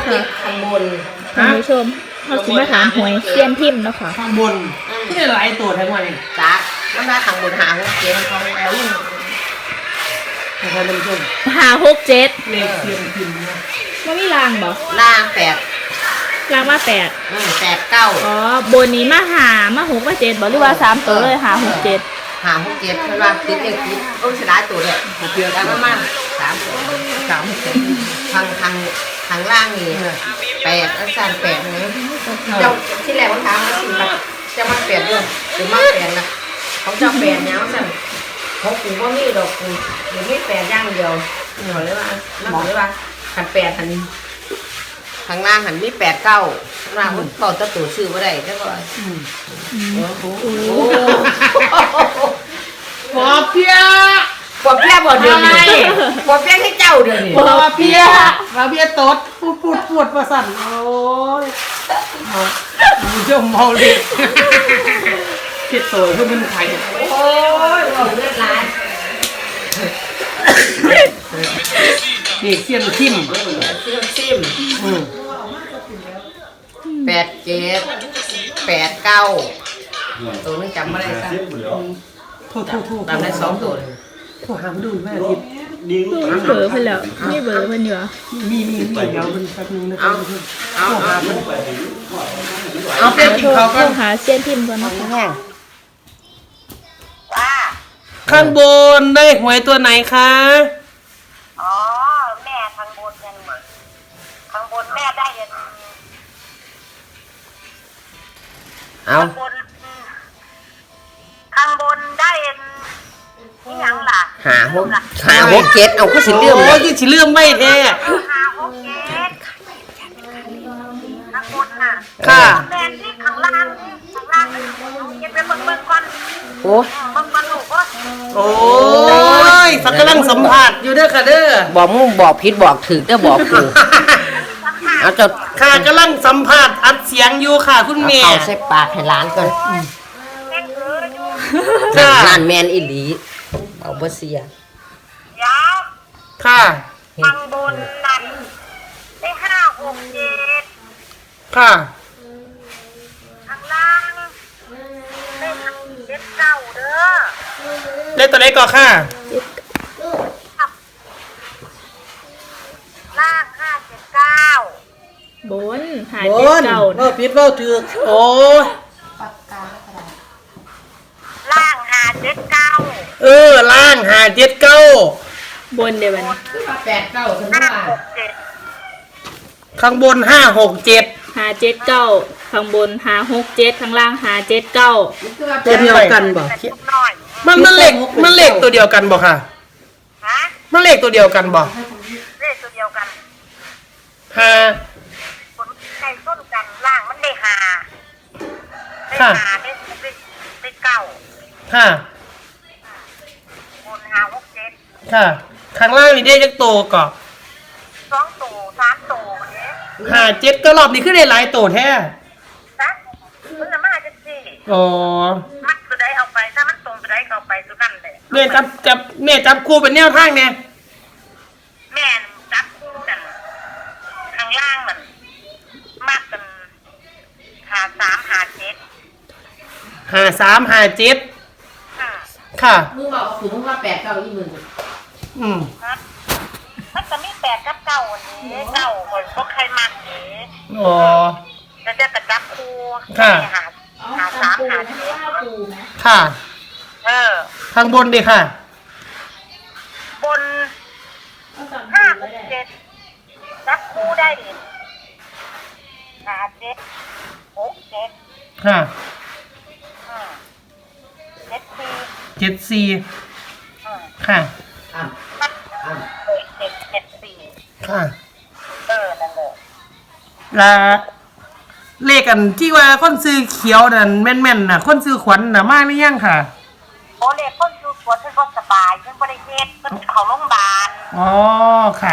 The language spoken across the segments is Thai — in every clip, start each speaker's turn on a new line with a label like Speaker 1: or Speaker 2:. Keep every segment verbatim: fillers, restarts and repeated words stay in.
Speaker 1: ติดข้างบน
Speaker 2: ท่านผู้ชมเขาสิมาถามหวยเซียนทิมเนาะค่ะ
Speaker 3: ข้างบนที่ได้หลายตัวทั้งวันเอง
Speaker 1: จ้ามันมาข้างบนหาหกเจ็ดเขาเอาลูก
Speaker 3: ท่านผู้ชม
Speaker 2: หาหกเจ็ด
Speaker 3: เลขเซียนทิมนะ
Speaker 2: ว่ามีรางบ่
Speaker 1: รางแปด
Speaker 2: รางมาแปด
Speaker 1: อืมแปดเก้า
Speaker 2: อ๋อบนนี้มาหามาหกมาเจ็ดบ่หรือว่าสามตัวเลยหาหกเจ็ด
Speaker 1: หาหกเจ็ดเพราะว่าติดเลขติดโอ้ยเสียดายตัวเลยเพียงกันประมาณสามสามทางทางทางล่างนี่แปดอันสั้นแปดนะเจ้าที่แรกมันถามว่าสิมาจะมาแปดด้วยหรือมาแปดนะของเจ้าแปดเนี่ยมันสั่นของกูว่ามีดอกกูหรือไม่แปดย่างเดียวหมอเลยว่าหมอเลยว่าหันแปดหันทางล่างหันมีแปดเก้าข้างล่างมันเก้าตัวตัวชื่อว่าได้แล้วก็
Speaker 3: ปอเปีย
Speaker 1: ปอเปียบ่เดือนนี้ปอเปียให้เจ้าเดือนนี้
Speaker 3: ปอเปียปอเปียตดพูดพูดพูดประสันโอ้ยมึงจะเมาเลยคิดโตเพื่อมันไข่
Speaker 1: โอ้ยเลือดร้าย
Speaker 3: นี่เสี้ยนทิม
Speaker 1: เสี้ยนทิมแปดเจ็ดแปดเก้าตัวนึงจำไม่ได้ซะ
Speaker 3: โทษโทษโทษ
Speaker 1: จำได้สองตัว
Speaker 3: โทษหามดูแม่ทิพย์
Speaker 2: เบอร์เพิ่นแล้วนี่เบอร์เพิ่นอยู่
Speaker 3: มีมีมีเดี๋ยวมันแป๊บนึงนะเอา
Speaker 1: เอาเอา
Speaker 3: เอาเปียกินเขาก็
Speaker 2: หาเซียนทิมก่อนนะ
Speaker 3: ข้างบนได้หวยตัวไหนคะ
Speaker 4: อ๋อแม่ข้างบนยังข้างบนแม่ได้ยัง
Speaker 1: เอา
Speaker 4: ข้างบนข้างบนได้ยังนี่ยังล่ะ
Speaker 1: หาหกหาหกเจ็ดเอาก็สิเลื่อม
Speaker 3: โอ้ยสิเลื่อมไม่แท้
Speaker 4: หาหกเจ็ดข้างบนน่ะ
Speaker 3: ค่ะ
Speaker 4: แม่ที่ข้างล่างข้างล่างเก็บไปเบิ่งเบิ่งก่อน
Speaker 1: โอ้
Speaker 4: เบิ่งก่อนลูกก็
Speaker 3: โอ้ยสักกำลังสัมผัสอยู่เด้อค่ะเด้อ
Speaker 1: บอกมึงบอกผิดบอกถูกเด้อบอกกูเอาจด
Speaker 3: ค่ะกำลังสัมผัสอัดเสียงอยู่ค่ะคุณแม่
Speaker 1: เอาใส่ปากให้ร้านก่อน
Speaker 3: ค่ะ
Speaker 1: ร้านแมนอิลีเอาบ่เสีย
Speaker 4: ยาว
Speaker 3: ค่ะ
Speaker 4: ข้างบนนั่นได้ห้าหกเจ็ด
Speaker 3: ค่ะ
Speaker 4: ข้างล่างได้เจ็ดเก้าเด้อ
Speaker 3: ได้ตัวไหนก่อนค่ะ
Speaker 4: ล่างห้าเจ็ดเก้า
Speaker 2: บนหาเจ็ดเก้า
Speaker 3: เราผิดเราถือโอ้
Speaker 4: ล่างหาเจ็ดเก้า
Speaker 3: เออล่างหาเจ็ดเก้า
Speaker 2: บนเดี๋ยวมัน
Speaker 1: แปดเก้าฉันว่า
Speaker 3: ข้างบนห้าหกเจ็ด
Speaker 2: หาเจ็ดเก้าข้างบนหาหกเจ็ดข้างล่างหาเจ็ดเก้า
Speaker 3: ตัวเดียวกันบ่มันมันเลขมันเลขตัวเดียวกันบ่ค่ะ
Speaker 4: ฮะ
Speaker 3: มันเลขตัวเดียวกันบ่
Speaker 4: เลขตัวเดียวกัน
Speaker 3: หา
Speaker 4: ผลไก่ต้นกันล่างมันได้หาได้หาได้ได้ได้เก้า
Speaker 3: ค่ะ
Speaker 4: บนหาหกเจ็ด
Speaker 3: ค่ะข้างล่างนี่ได้จักโตก่อ
Speaker 4: สองโตสามโตเนี่ย
Speaker 3: หาเจ็ดก็รอบนี้ขึ้นได้หลายโตแท้
Speaker 4: นะมันจะมาจะสี่
Speaker 3: อ๋อ
Speaker 4: มันตัวใดเอาไปถ้ามันตรงตัวใดเอาไปตัวนั่นเลย
Speaker 3: แม่จับจับแม่จับคู่เป็นแนวทางเนี่ย
Speaker 4: แม่จับคู่กันข้างล่างมันมากกันหาสามหาเจ็ด
Speaker 3: หาสามหาเจ็ดค่ะ
Speaker 1: มึงบอกสูงว่าแปดเก้ายี่หมื่น
Speaker 3: อืม
Speaker 4: มันจะมีแปดกับเก้าอันนี้เก้าคนก็ใครมากนี้
Speaker 3: อ๋อ
Speaker 4: จะจะกระจับคู่
Speaker 3: ค่ะ
Speaker 4: หาหาสามหาเจ็ด
Speaker 3: ค่ะ
Speaker 4: เออ
Speaker 3: ข้างบนดิค่ะ
Speaker 4: บนห้าหกเจ็ดจับคู่ได้หาเจ็ดหกเจ็ด
Speaker 3: ค่ะ
Speaker 4: เจ็ดสี่
Speaker 3: เจ็ดสี่ค่ะ
Speaker 4: เจ็ดเจ็ดสี่
Speaker 3: ค่ะ
Speaker 4: เออนั่นเลย
Speaker 3: ละเลขกันที่ว่าคนซื้อเขียวนั่นแม่นๆน่ะคนซื้อขวัญน่ะมากหรือยังค่ะ
Speaker 4: โอ้เลขคนซื้อขวัญฉันก็สบายฉันก็ได้เฮ็ดฉันเข้าโรงพยาบาล
Speaker 3: อ๋อค่ะ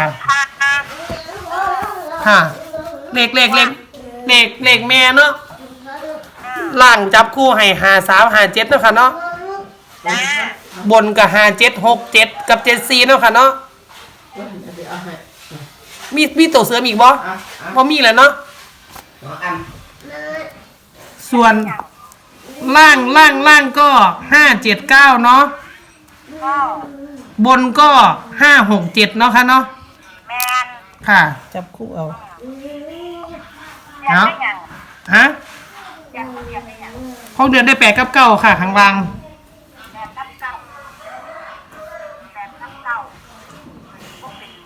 Speaker 3: ค่ะเลขเลขเลขเลขเลขแม่เนาะล่างจับคู่ให้หาสามหาเจ็ดเนาะค่ะเนาะบนกับหาเจ็ดหกเจ็ดกับเจ็ดสี่เนาะค่ะเนาะมีมีตัวเสริมอีกบ่บ่มีแล้วเนาะ
Speaker 1: น้องอัน
Speaker 3: ส่วนล่างล่างล่างก็ห้าเจ็ดเก้าเนาะ
Speaker 4: ก็
Speaker 3: บนก็ห้าหกเจ็ดเนาะค่ะเนาะ
Speaker 4: แมน
Speaker 3: ค่ะ จับคู่เอา
Speaker 4: อยากได้หยัง
Speaker 3: ฮะ
Speaker 4: อยากอยากได้หยัง
Speaker 3: หกเดือนได้แปดกับเก้าค่ะข้างล่าง
Speaker 4: แบบน้ำเก่าแบบน้ำเก่าพวกเป็น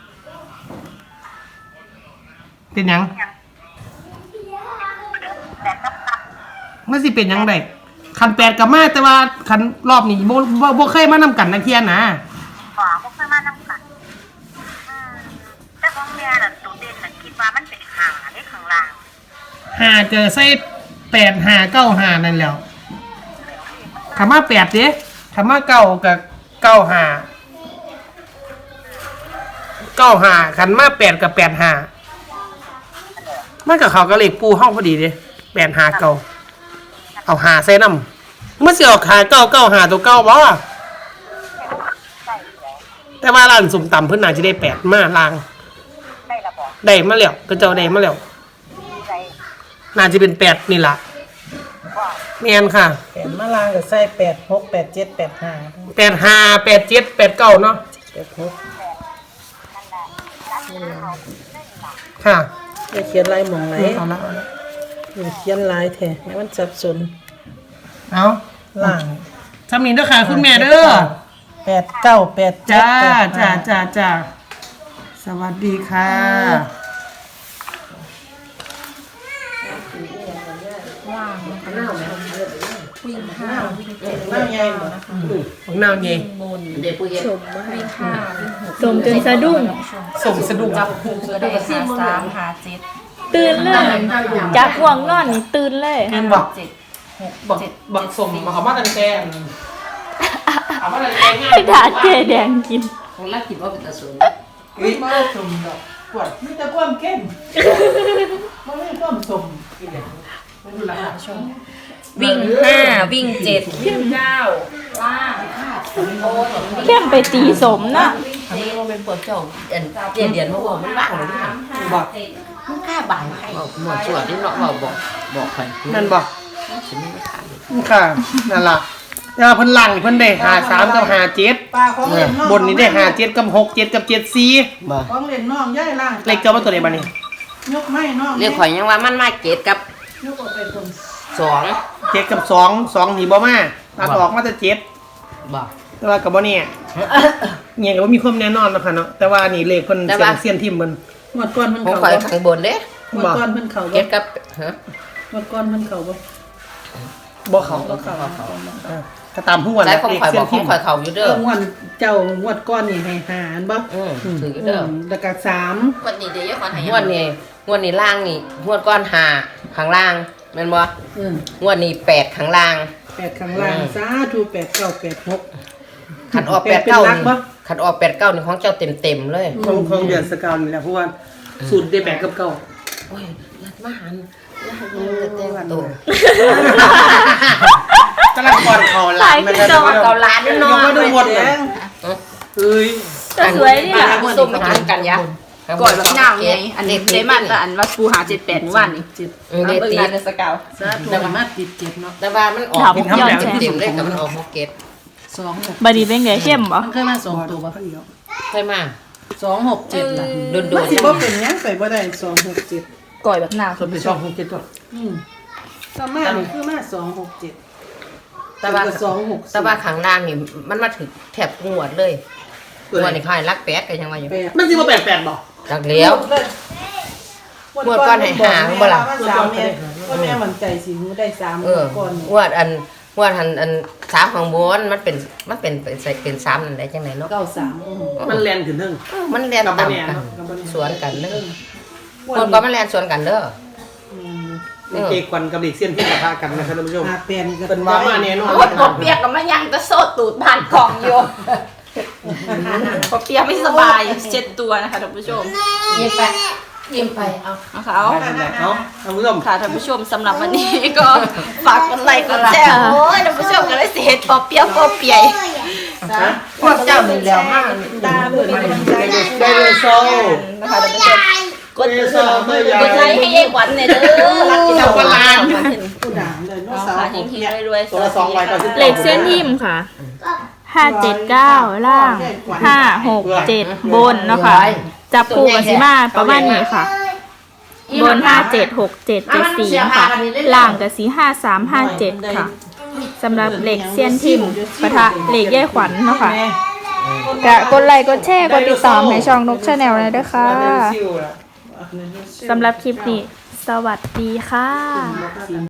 Speaker 3: เป็นหยัง
Speaker 4: หยังแบบน้ำเก่า
Speaker 3: มันสิเป็นหยังไงคันแปดกับมาแต่ว่าคันรอบนี้โบโบโบเคยมานำกันนะเทียนนะ
Speaker 4: ขวาพวกเพื่อนมาน้ำกันอืมแต่ของแม่น่ะตัวเด่นน่ะคิดว่ามันเป็นขาได้ข้างล่าง
Speaker 3: หาเจอใส่แปดหาเก้าหานั่นแหล้วคำว่าแปดเด้คำว่าเก้ากับเก้าหาเก้าหาคันมาแปดกับแปดหามันกับเขาก็เลขปูห้องพอดีเด้แปดหาเก้าเอาหาใส่น้ำเมื่อเสียออกหาเก้าเก้าหาตัวเก้าบ่
Speaker 4: ใช่แล้ว
Speaker 3: แต่ว่าร้านสุ่มต่ำเพิ่นน่าจะได้แปดมาลาง
Speaker 4: ได้ระบอก
Speaker 3: ได้มาแล้วก็เจ้าได้มาแล้ว
Speaker 4: ใจ
Speaker 3: น่าจะเป็นแปดนี่ล่ะ
Speaker 4: ว่า
Speaker 3: แม่นค่ะ
Speaker 5: แปดมะลางกับไส้แปดหกแปดเจ็ดแปดห้า
Speaker 3: แปดห้าแปดเจ็ดแปดเก้าเนาะ
Speaker 5: แปดหก
Speaker 4: นั่นแหละรักเขาได้หลัก
Speaker 3: ค่ะ
Speaker 5: จะเขียนลายหมองไหน
Speaker 3: เอาละเอาละ
Speaker 5: อย่าเขียนลายแท้ให้มันสับสน
Speaker 3: เอา
Speaker 5: ล่าง
Speaker 3: ทำนี้เด้อค่ะคุณแม่เด้อ
Speaker 5: แปดเก้าแปดเจ็ด
Speaker 3: จ้า
Speaker 5: แปด
Speaker 3: จ้า
Speaker 5: ห้า
Speaker 3: จ้าจ้าสวัสดีค่ะ
Speaker 5: ล่างใหญ่หมด
Speaker 3: ของนาวเย่
Speaker 1: เด็กผู้เย็น
Speaker 2: สมจนสะดุ้ง
Speaker 3: ส่งสะดุ้ง
Speaker 6: สามหาเจ็ด
Speaker 2: ตื่นเลยจากห่วงนอนนี่ตื่นเลย
Speaker 3: เงินบอก
Speaker 6: เจ็ดหก
Speaker 3: บอก
Speaker 6: เจ็ด
Speaker 3: บอกส่งมาเขามาตันแกนเอามาตันแกนง่าย
Speaker 2: ให้ดาดเกแดงกิน
Speaker 1: ของรักคิดว่าเป็นตาสูง
Speaker 5: เฮ้ยมาสมดอกปวดมีแต่ความเข้มมันไม่ความสม
Speaker 6: วิ่งห้าวิ่งเจ็ด
Speaker 2: เข้มไปตีสมนะ
Speaker 1: ทำให้ว่าเป็นปวดเจ้าเด่นเด่นเด่นมาบอกมันบ้าหรือเปล่า
Speaker 3: บอก
Speaker 1: มันกล้าบ่ายให้บอกหมดส่วนที่เนาะบอกบอกบอกใคร
Speaker 3: นั่นบอก
Speaker 1: ฉันไม่ขาด
Speaker 3: ค่ะนั่นล่ะแต่ว่าเพิ่นหลังเพิ่นได้หาสามกับหาเจ็ด
Speaker 5: ปลาของเล่นน้อง
Speaker 3: บนนี้ได้หาเจ็ดกับหกเจ็ดกับเจ็ดสี่
Speaker 1: บ่
Speaker 5: ของเล่นน้องย่ายล่าง
Speaker 3: เลขเจ้ามาตัวไหนบ้านี่
Speaker 5: ยกไม่น้อง
Speaker 1: เรียกข่อยยังว่ามันมาเกตกับ
Speaker 5: ยกออกไปคน
Speaker 1: สอง
Speaker 3: เจ็ดกับสองสองหนีบ่มาตัดออกมาแต่เจ็ด
Speaker 1: บ่
Speaker 3: แต่ว่ากับบ่เนี่ยเนี่ยก็บ่มีความแน่นอนแล้วค่ะเนาะแต่ว่านี่เลขเพิ่น
Speaker 1: แต่
Speaker 3: เสีย
Speaker 1: ว่า
Speaker 3: งเสียนทิมเพิ่น
Speaker 5: หมดก้อนเพิ่น
Speaker 1: ของ
Speaker 5: เข่า
Speaker 1: ข่อย
Speaker 5: บ่
Speaker 1: ข้างบนเด้
Speaker 5: หมดก้อนเพิ่นเข่า
Speaker 1: เก
Speaker 5: บ่
Speaker 1: ตกับฮะ
Speaker 5: หมดก้อนเพิ่นเข่าบ่
Speaker 3: บ่เขา
Speaker 5: บ่เข่า
Speaker 3: เออก็ตามผู้วัน
Speaker 1: ใช้
Speaker 3: นะ
Speaker 1: ของ
Speaker 3: เลข
Speaker 1: ข่อย
Speaker 3: เสี
Speaker 1: บ
Speaker 3: ย
Speaker 1: อน กข
Speaker 3: ทิ
Speaker 1: อง
Speaker 3: ม
Speaker 1: ข่อยเขาอยู่
Speaker 5: เอ
Speaker 1: เด้อ
Speaker 5: อหวดเจ้าหวดก้อนนี่ให้หารบ่
Speaker 1: อืมถืออยู่
Speaker 5: อื
Speaker 1: เด้อ
Speaker 5: มแล้วก็สาม
Speaker 6: วันนี้เดี๋ยวขอถ่าย
Speaker 1: งวดนี้งวดนี้ล่างนี่งวดก้อนหาข้างล่างแม่นบ่
Speaker 5: เออง
Speaker 1: วดนี้แปดข้างล่าง
Speaker 5: แปดข้างล่าง
Speaker 1: อืม
Speaker 5: สาธุแปดเก้าแปดหก
Speaker 1: ขันออก
Speaker 5: แป
Speaker 1: แป
Speaker 5: ด
Speaker 1: ด
Speaker 5: เป็น
Speaker 1: เก้า
Speaker 5: หลัก
Speaker 1: นี่
Speaker 5: บ่
Speaker 1: ขันออกแปดเก้านี่ของเจ้าเต็มเต็มๆเลย
Speaker 3: ของของเดือนสกาวนี่แหละเพราะว่าสูตรได้แปดกับเก้า
Speaker 1: โอ้ยรัดมาหันรัดมาเต็มตัว
Speaker 3: กำลังก่อนเขาหลานมันจะ
Speaker 1: เกาล้านนี่เนาะ
Speaker 3: ยังไม่ดูหมดเลยเฮ้ย
Speaker 2: แต่สวยเนี่ย
Speaker 1: ส้มมากินกันยะ
Speaker 6: ก่อนแบบย่างไงอันนี้เดมันแต่อันว่าปูหาเจ็ดแปดเมื่อวานนี่
Speaker 5: จิต
Speaker 1: เออเด
Speaker 6: เบิ่ง
Speaker 1: ตี
Speaker 6: งานในสเกาว
Speaker 5: สาธุมาติดเจ็ดเนาะ
Speaker 1: แต่ว่ามันออก
Speaker 2: ถาม
Speaker 1: เป็น
Speaker 2: ย้อน
Speaker 1: เต็
Speaker 2: แส
Speaker 1: มเต็มๆเลยกับมันออกฮอกเก็ต
Speaker 5: สองหก
Speaker 2: บาดีเป็นไงเข้มบ่
Speaker 5: มันเคยมาสองตัวบ่
Speaker 1: ใช่ไหม
Speaker 5: สองหกเจ็ดล่ะ
Speaker 1: โดนโด
Speaker 5: มัน นสิบ่เป็นหยังไปบ่ได้สองหกเจ็ด
Speaker 6: ก่อยแบบหน้า
Speaker 3: ส่วนเป็นสองของเจ็ดตัว
Speaker 5: อืมต่อมานี่คือมาสองหกเจ็ด
Speaker 1: แต่ว่า
Speaker 5: สองหก
Speaker 1: แต่ว่าข้างล่างนี่มันมาถึงแถบงวดเลยงวดนี่ค่ายรักแปดกันยังว่าอยู่
Speaker 5: แปด
Speaker 3: มันสิบ่แปดแปดบ่
Speaker 1: จากเลี้ยว งวดก้อนให้หาบ่ล่ะ
Speaker 5: สามแม่ก็แม่มั่นใจสิฮู้ได้สาม
Speaker 1: เออ
Speaker 5: ก้อน
Speaker 1: งวดอันงวดอันอันสามของบนมันเป็นมันเป็นเป็นใส่เป็นสามนั่นได้จังไหนเนาะ
Speaker 5: เก้าสามอืม
Speaker 3: มันแลนขึ้นเทิง
Speaker 1: เออมันเรียน
Speaker 3: กับบ่
Speaker 1: ต่ำ
Speaker 3: แน่
Speaker 1: กัน
Speaker 3: เนาะกับบ่แน่
Speaker 1: สวนกันเด้อ
Speaker 5: ก้อ
Speaker 1: คนก็มันเรียนสวนกันเด้อ
Speaker 5: อืม
Speaker 3: เลขเจควันกับเลขเสี้ยนที่ปะทะกันนะครับท่านผู้ชม
Speaker 5: หาแปดนี่ก็
Speaker 3: เป็นว่ามาแน่นอน
Speaker 6: โอ้ยปอเปียกกับมันยังจะโซดตูดผ่านกล่องอยู่ปอเปียกไม่สบายเช็ดตัวนะคะท่านผู้ชม
Speaker 1: ยิ้มไปยิ้มไปเอา
Speaker 6: นะคะเอา
Speaker 3: เอาท่านผู้ชม
Speaker 6: ค่ะท่านผู้ชมสำหรับวันนี้ก็ฝากกดไลค์กดแชร์โอ้ยท่านผู้ชมก็เลยสิเห็นปอเปียกปอเปียก
Speaker 1: พวกเจ้านี่แล้วมาก
Speaker 6: ตามเป็นกำลังใจ
Speaker 5: ได้เลยโซ่
Speaker 6: นะคะท่านผู้ชมกด
Speaker 5: ได้เลยโซ่ไม่ยาก
Speaker 6: ดไลค์ให้เอกวันเนี่ยเด้อรักกินเอาปลา
Speaker 5: ผู้ด่างเลยน้อง
Speaker 6: เอา
Speaker 5: สาว
Speaker 6: ค่ะ
Speaker 5: ผ
Speaker 6: ยิ
Speaker 5: ม
Speaker 6: งที
Speaker 5: เนี่ย
Speaker 6: รวยๆ
Speaker 5: ตัวละสองร้อยเก้าสิบ
Speaker 2: เหล็กเส้นทิมค่ะห้าเจ็ดเก้าล่างห้าหกเจ็ดบนเนาะค่ะจับคู่กับสิมาประมาณนี้ค่ะ บนห้าเจ็ดหกเจ็ดเจ็ดสี่ค่ะล่างกับสีห้าสามห้าเจ็ดค่ะสำหรับเหล็กเซียนทิมปะทะเหล็กแย่ขวัญเนาะค่ะกะกดไลค์กดแชร์กดติดตามให้ช่องนกชาแนลเลยด้วยค่ะสำหรับคลิปนี้สวัสดีค่ะ